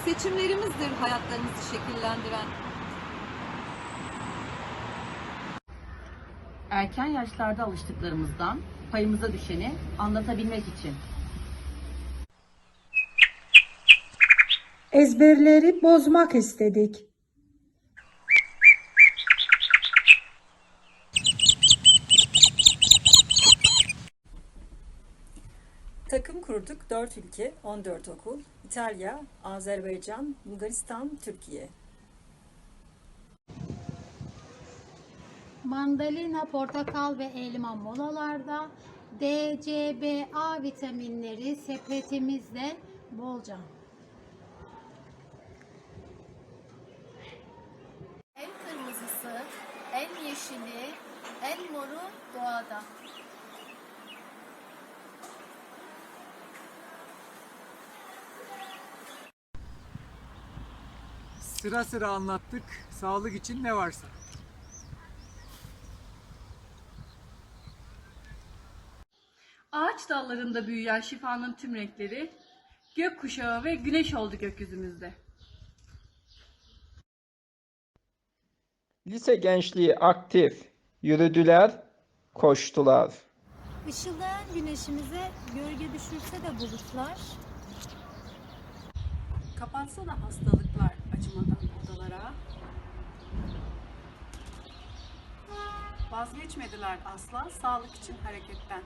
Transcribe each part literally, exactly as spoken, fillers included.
Seçimlerimizdir hayatlarımızı şekillendiren. Erken yaşlarda alıştıklarımızdan payımıza düşeni anlatabilmek için. Ezberleri bozmak istedik. Takım kurduk dört ülke, on dört okul. İtalya, Azerbaycan, Bulgaristan, Türkiye. Mandalina, portakal ve elma molalarda, D, C, B, A vitaminleri sepetimizde bolca. En kırmızısı, en yeşili, en moru doğada. Sıra sıra anlattık, sağlık için ne varsa. Ağaç dallarında büyüyen şifanın tüm renkleri, gökkuşağı ve güneş oldu gökyüzümüzde. Lise gençliği aktif, yürüdüler, koştular. Işıldayan güneşimize gölge düşürse de bulutlar, Kapatsa da hastalıklar acımadan odalara. Vazgeçmediler asla sağlık için hareketten.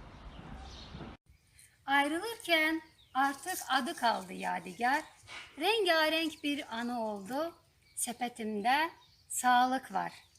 ayrılırken artık adı kaldı yadigar, rengarenk bir anı oldu, sepetimde sağlık var.